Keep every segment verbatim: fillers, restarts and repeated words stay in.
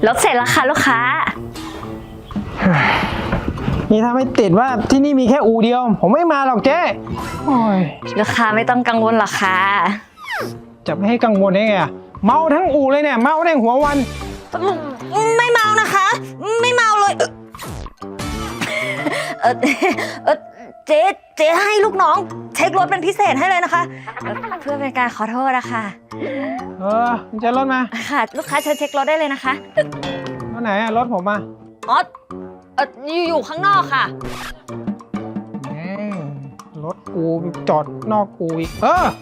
รถเสร็จแล้วค่ะลูกค้านี่ถ้าไม่ติดว่าที่นี่มีแค่อู่เดียว ผมไม่มาหรอกเจ๊โอ้ยลูกค้าไม่ต้องกังวลหรอกค่ะจะไม่ให้กังวลได้ไงอะเมาทั้งอู่เลยเนี่ยเมาทั้งหัววันไม่เมานะคะ ไม่เมาเลยเออเออเจ๊เจ๊ให้ลูกน้องเช็ครถเป็นพิเศษให้เลยนะคะเอ่อเพื่อเป็นการขอโทษนะคะเออมันจะรถมาค่ะ ลูกค้าเชิญเช็ครถได้เลยนะคะรถไหนอะรถผมมาอ๋อเอออยู่อยู่ข้างนอกค่ะแม่งรถกูจอดนอกกูอีกเออ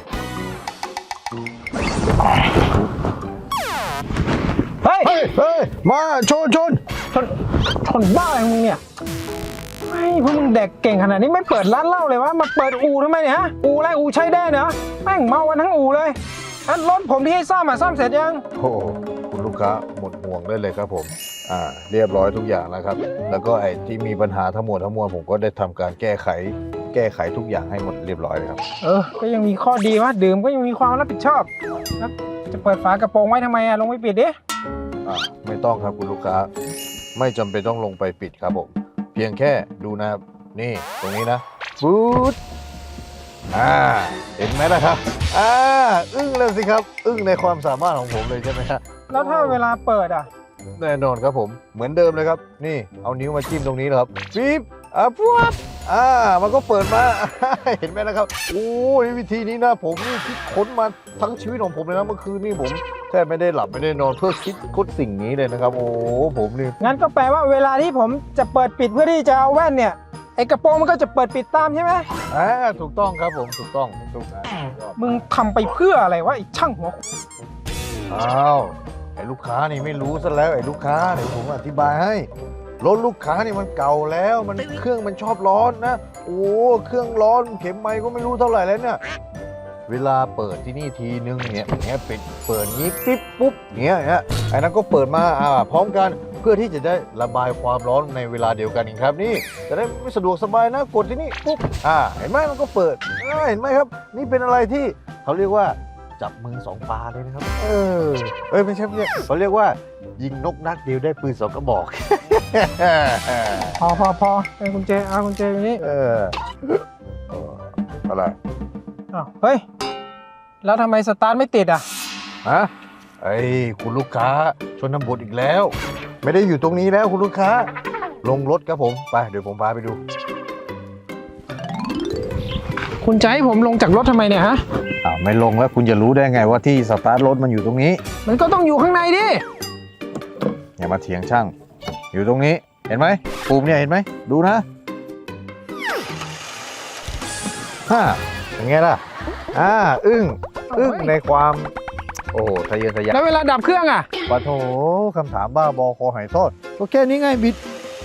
เฮ้ยเฮ้ยเฮ้ยมาชนชนชนชนบ้าอะไรของมึงเนี่ยไม่พวกมึงเด็กเก่งขนาดนี้ไม่เปิดร้านเหล้าเลยวะมาเปิดอู่ทำไมเนี่ยฮะอู่อะไรอู่ใช้ได้เนาะแม่งเมากันทั้งอู่เลยอันรถผมที่ให้ซ่อมอะซ่อมเสร็จยังโอ้โหคุณลูกค้าหมดห่วงได้เลยครับผมอ่าเรียบร้อยทุกอย่างแล้วครับ แล้วก็ไอ้ที่มีปัญหาทั้งหมดทั้งมวลผมก็ได้ทำการแก้ไข แก้ไขทุกอย่างให้หมดเรียบร้อยเลยครับเออก็ยังมีข้อดีว่าดื่มก็ยังมีความรับผิดชอบแล้วจะเปิดฝากระโปรงไว้ทำไมอะลงไปปิดดิอ่าไม่ต้องครับคุณลูกค้า ไม่จำเป็นต้องลงไปปิดครับผม เพียงแค่ดูนะครับนี่ตรงนี้นะบูดอ่าเห็นไหมล่ะครับอ่าอึ้งเลยสิครับ อึ้งในความสามารถของผมเลยใช่ไหมฮะแล้วถ้าเวลาเปิดอะแน่นอนครับผมเหมือนเดิมเลยครับ นี่เอานิ้วมาจิ้มตรงนี้นะครับปิ๊บอ่ะปุ๊บอ่ามันก็เปิดมา เห็นไหมนะครับโอ้ยวิธีนี้นะผมนี่คิดค้นมาทั้งชีวิตของผมเลยนะเมื่อคืนนี่ผมแทบไม่ได้หลับไม่ได้นอนเพื่อคิดค้นสิ่งนี้เลยนะครับ โอ้ผมนี่งั้นก็แปลว่าเวลาที่ผมจะเปิดปิดเพื่อที่จะเอาแว่นเนี่ยไอ้กระโปรงมันก็จะเปิดปิดตามใช่ไหมอ่าถูกต้องครับผมถูกต้องถูกนะมึงทำไปเพื่ออะไรวะไอ้ช่างหัวอ้าวไอ้ลูกค้านี่ไม่รู้ซะแล้วไอ้ลูกค้าเดี๋ยวผมอธิบายให้รถลูกค้านี่มันเก่าแล้วมันเครื่องมันชอบร้อนนะโอ้เครื่องร้อนเข็มไมค์ก็ไม่รู้เท่าไหร่แล้วเนี่ยเวลาเปิดที่นี่ทีนึงเนี่ยเนี้ยปิดเปิดงี้ปิ๊บปุ๊บเนี้ยเนี้ยไอ้นั้นก็เปิดมาอ่าพร้อมกันเพื่อที่จะได้ระบายความร้อนในเวลาเดียวกันอีกครับนี่จะได้ไม่สะดวกสบายนะกดที่นี่ปุ๊บอ่าเห็นไหมมันก็เปิดอ่าเห็นไหมครับนี่เป็นอะไรที่เขาเรียกว่าจับมือสองปลาเลยนะครับเออเอ้ยไม่ใช่ไม่ใช่เขาเรียกว่ายิงนกนัดเดียวได้ปืนสองกระบอกพอพอพอไอ้กุญแจเอากุญแจอยู่นี่เออเอออะไรอ้าวเฮ้ยแล้วทำไมสตาร์ทไม่ติดอ่ะฮะไอ้ยคุณลูกค้าชนบทอีกแล้ว ไม่ได้อยู่ตรงนี้แล้วคุณลูกค้า ลงรถครับผมไปเดี๋ยวผมพาไปดูคุณจะให้ผมลงจากรถทำไมเนี่ยฮะอ้าวไม่ลงแล้วคุณจะรู้ได้ไงว่าที่สตาร์ทรถมันอยู่ตรงนี้มันก็ต้องอยู่ข้างในดิอย่ามาเถียงช่าง อยู่ตรงนี้เห็นไหมปุ่มเนี่ยเห็นไหมดูนะฮ่าเป็นไงล่ะอ่าอึ้งอึ้งในความโอ้โหทะเยอทะยานแล้วเวลาดับเครื่องอ่ะปะโถคำถามบ้าบอคอหายทอดก็แค่นี้ไงบิด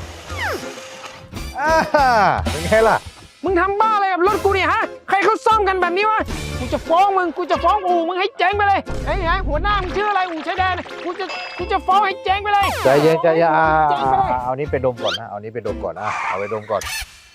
อ่าเป็นไงล่ะมึงทำบ้าอะไรกับรถกูเนี่ยฮะใครเขาซ่อมกันแบบนี้วะกูจะฟ้องมึงกูจะฟ้องอู่มึงให้เจ๊งไปเลยไอ้ไอ้หัวหน้ามึงชื่ออะไรอู่ชายแดนกูจะกูจะฟ้องให้เจ๊งไปเลยใจเย็นใจเย็นอ่าเจ๊งไปเลยเอานี้ไปดมก่อนนะเอานี้ไปดมก่อนอ่ะเอาไปดมก่อน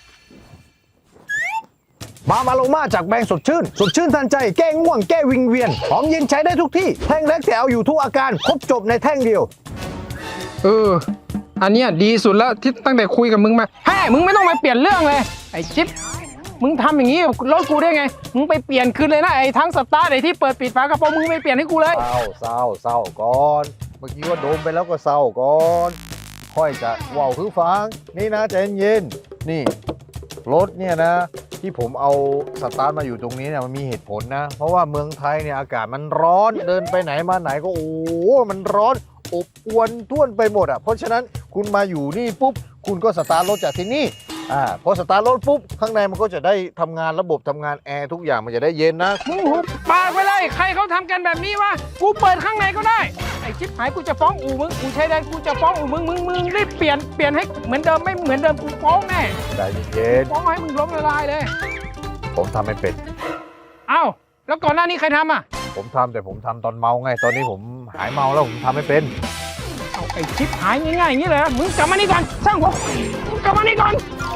มามาโลมาจากแบรนด์สดชื่น สดชื่นทันใจแก้ง่วงแก้วิงเวียนหอมเย็นใช้ได้ทุกที่แท่งเล็กแต่เอาอยู่ทุกอาการครบจบในแท่งเดียวเอออันเนี้ยดีสุดแล้วที่ตั้งแต่คุยกับมึงมาแฮ่มึงไม่ต้องมาเปลี่ยนเรื่องเลยไอ้จิ๊บมึงทำอย่างนี้กับรถกูได้ไงมึงไปเปลี่ยนคืนเลยนะไอ้ทั้งสตาร์ทไอ้ที่เปิดปิดฝากระโปรงมึงไปเปลี่ยนให้กูเลยเศร้าเศร้าเศร้าก่อนเมื่อกี้ว่าดมไปแล้วก็เศร้าก่อนค่อยจะว่าวคือฟังนี่นะใจเย็นๆนี่รถเนี่ยนะที่ผมเอาสตาร์ทมาอยู่ตรงนี้เนี่ยมันมีเหตุผลนะ เพราะว่าเมืองไทยเนี่ยอากาศมันร้อนเดินไปไหนมาไหนก็โอ้โหมันร้อนอบอวนท่วนไปหมดอ่ะเพราะฉะนั้นคุณมาอยู่นี่ปุ๊บคุณก็สตาร์ทรถจากที่นี่อ่าพอสตาร์ทรถปุ๊บข้างในมันก็จะได้ทำงานระบบทำงานแอร์ทุกอย่างมันจะได้เย็นนะมึงหุบปากไปเลยใครเขาทำกันแบบนี้วะกูเปิดข้างในก็ได้ไอ้ชิบหายกูจะฟ้องอู่มึงอู่ชายแดนกูจะฟ้องอู่มึงมึงมึงรีบเปลี่ยนเปลี่ยนให้เหมือนเดิมไม่เหมือนเดิมกูฟ้องแน่ใจเย็นฟ้องให้มึงล้มละลายเลยๆผมทำไม่เป็นเอ้าแล้วก่อนหน้านี้ใครทำอ่ะผมทำแต่ผมทำตอนเมาไง ตอนนี้ผมหายเมาแล้วผมทำไม่เป็นเอาไอ้ชิบหายง่ายๆอย่างนี้เลยมึงกลับมานี่ก่อนสร้างหัวมึงกลับมานี่ก่อน